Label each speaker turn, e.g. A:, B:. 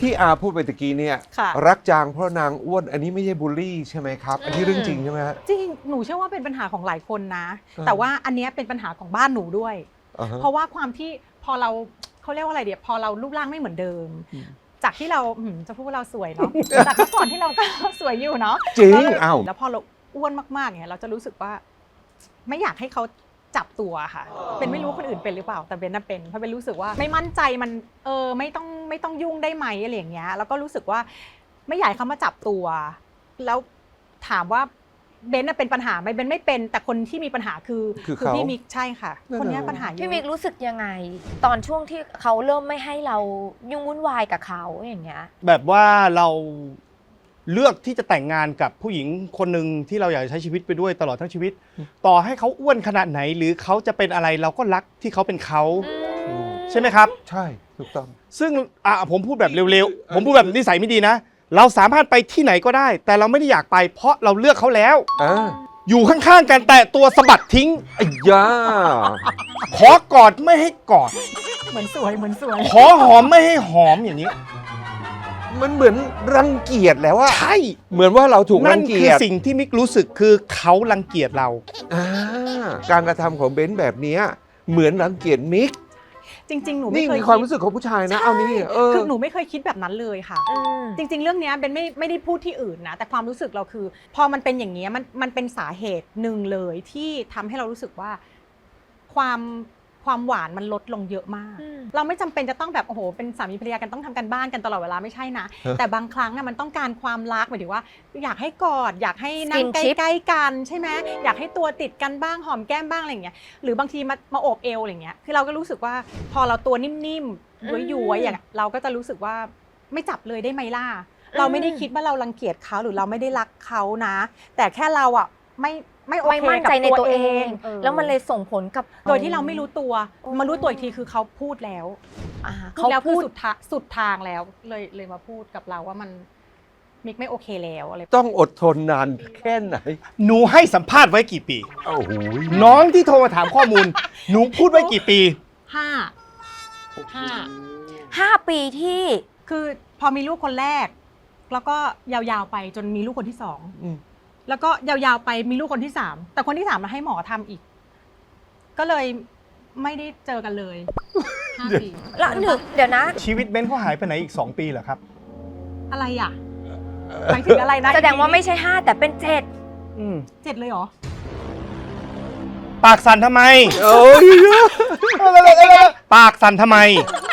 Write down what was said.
A: ที่อาพูดไปตะกี้เนี่ย
B: ค่ะ
A: รักจางเพราะนางอ้วนอันนี้ไม่ใช่บูลลี่ใช่ไหมครับ อันนี้เรื่องจริงใช่ไหมฮะ
B: จริงหนูเชื่อว่าเป็นปัญหาของหลายคนนะ
A: อ่า
B: แต่ว่าอันเนี้ยเป็นปัญหาของบ้านหนูด้วย
A: อ่าฮะ
B: เพราะว่าความที่พอเราเขาเรียกว่าอะไรเดี๋ยวพอเรารูปร่างไม่เหมือนเดิม
A: อืม
B: จากที่เราจะพูดว่าเราสวยเนาะ จากเมื่อก่อนที่เราก็สวยอยู่เนาะ
A: จริง
B: แล้ว
A: อ้าว
B: แล้วพอเราอ้วนมากๆเนี่ยเราจะรู้สึกว่า ไม่อยากให้เขาจับตัวค่ะเป็นไม่รู้คนอื่นเป็นหรือเปล่าแต่เบนน่ะเป็นเพราะเป็นรู้สึกว่าไม่มั่นใจมันไม่ต้องยุ่งได้ไหมอะไรอย่างเงี้ยแล้วก็รู้สึกว่าไม่อยากให้เขามาจับตัว แล้วถามว่าเบนน่ะเป็นปัญหาไหมเบนไม่เป็นแต่คนที่มีปัญหาคือ
A: เขา
B: พี่มิกใช่ค่ะ
A: นั่น
B: คนเนี้ย
A: น่ะ
B: ปัญหาเยอะ
C: พี่มิกรู้สึกยังไง ตอนช่วงที่เขาเริ่มไม่ให้เรายุ่งวุ่นวายกับเขาอย่างเงี้ย
D: แบบว่าเราเลือกที่จะแต่งงานกับผู้หญิงคนหนึ่งที่เราอยากจะใช้ชีวิตไปด้วยตลอดทั้งชีวิต ต่อให้เขาอ้วนขนาดไหน หรือเขาจะเป็นอะไรเราก็รักที่เขาเป็นเขา ใช่ไหมครับ
A: ใช่ถูกต้อง
D: ซึ่งผมพูดแบบเร็วๆ ผมพูดแบบนิสัยไม่ดีนะ เราสามารถไปที่ไหนก็ได้ แต่เราไม่ได้อยากไป เพราะเราเลือกเขาแล้ว
A: อ่า
D: อยู่ข้างๆกันแต่ตัวสะบัดทิ้ง
A: ไอ้ย่า
D: ขอกอดไม่ให้กอด
B: เหมือนสวยเหมือนสวย
D: ขอหอมไม่ให้หอมอย่างนี้
A: มันเหมือนรังเกียจแล้วอะ
D: ใช่
A: เหมือนว่าเราถูก
D: นั่
A: รั
D: น
A: ง
D: คื
A: เกี
D: อย
A: จ
D: สิ่งที่มิกรู้สึกคือเขารังเกียจเรา
A: อ่าการกระทำของเบนซ์แบบเนี้ยเหมือนรังเกียจมิก
B: จริง ๆ หนู
A: นี่
B: ไม่เคย
A: มีความรู้สึกของผู้ชายนะ เอานี่
B: คือหนูไม่เคยคิดแบบนั้นเลยค่ะ จริง ๆ เรื่องเนี้ยเบนไม่ได้พูดที่อื่นนะแต่ความรู้สึกเราคือ พอมันเป็นอย่างเงี้ยมันเป็นสาเหตุหนึ่งเลยที่ทำให้เรารู้สึกว่าความหวานมันลดลงเยอะมาก เราไม่จำเป็นจะต้องแบบโอ้โหเป็นสามีภรรยากันต้องทำกันบ้านกันตลอดเวลาไม่ใช่นะ แต่บางครั้งอะมันต้องการความรักหมายถึงว่า อยากให้กอดอยากให้นั่งใ
C: Skinship
B: กล้ๆกันใช่ไหมอยากให้ตัวติดกันบ้างหอมแก้มบ้างอะไรอย่างเงี้ยหรือบางทีมาโอบเอวอะไรอย่างเงี้ยคือเราก็รู้สึกว่าพอเราตัวนิ่มๆย้วยๆอย่างเราก็จะรู้สึกว่าไม่จับเลยได้ไหมล่ะเราไม่ได้คิดว่าเรารังเกียจเขาหรือเราไม่ได้รักเขานะ แต่แค่เราอะไม่โอ
C: ไม่
B: เค
C: มั่น
B: กับ
C: ใจในตัวเอง
B: ออ
C: แล้วมันเลยส่งผลกับ
B: โดยที่เราไม่รู้ตัวมารู้ตัวอีกทีคือเขาพูดแล้ว
C: เขา
B: แล้ว
C: พู
B: คือ
C: ด
B: สุดทางแล้วเลยมาพูดกับเราว่ามันมิกไม่โอเคแล้วอะไร
A: ต้องอดทนนานแค่ไหน
D: หนูให้สัมภาษณ์ไว้กี่ปี
A: โอ้โห
D: น้องที่โทรมาถามข้อมูล หนูพูดไว้กี่ปี
B: ห้า
C: 5 ปีที่
B: คือพอมีลูกคนแรก แล้วก็ยาวๆไปจนมีลูกคนที่สอง
A: อืม
B: แล้วก็ยาวๆไปมีลูกคนที่สามแต่คนที่สามมาให้หมอทำอีก ก็เลยไม่ได้เจอกันเลย5 ปี
C: แล้วเดี๋ยวนะ
D: ชีวิตเบนเขาหายไปไหนอีก 2 ปีเหรอครับ
B: อะไรอ่ะหมายถึงอะไรนะ
C: แสดงว่าไม่ใช่ 5 แต่เป็น
D: อืม
B: 7เลยเหรอ
D: ปากสั่นทำไม
A: โอ้ย
D: ปากสั่นทำไม